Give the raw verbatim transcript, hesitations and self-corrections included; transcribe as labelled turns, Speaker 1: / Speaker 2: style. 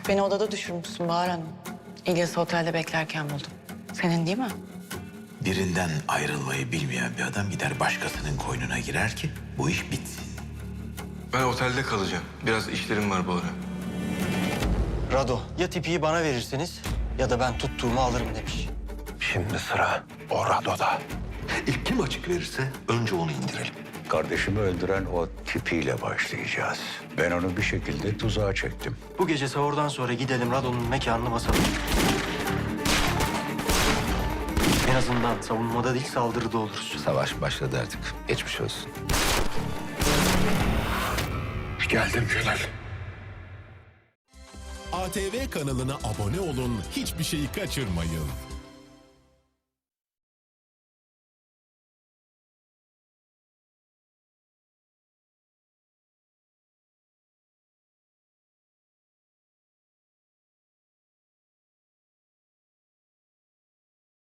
Speaker 1: Beni odada düşürmüşsün Bahar Hanım. İlyas'ı otelde beklerken buldum. Senin değil mi?
Speaker 2: Birinden ayrılmayı bilmeyen bir adam gider başkasının koynuna girer ki bu iş bitsin.
Speaker 3: Ben otelde kalacağım. Biraz işlerim var bu ara.
Speaker 4: Rado, ya tipiyi bana verirsiniz ya da ben tuttuğumu alırım demiş.
Speaker 5: Şimdi sıra o Rado'da. İlk kim açık verirse önce onu indirelim.
Speaker 6: Kardeşimi öldüren o tipiyle başlayacağız. Ben onu bir şekilde tuzağa çektim.
Speaker 4: Bu gece sahurdan sonra gidelim Rado'nun mekanını basalım. En azından savunmada değil saldırıda oluruz.
Speaker 5: Savaş başladı artık. Geçmiş olsun. Geldim Celal.
Speaker 7: A T V kanalına abone olun, hiçbir şeyi kaçırmayın.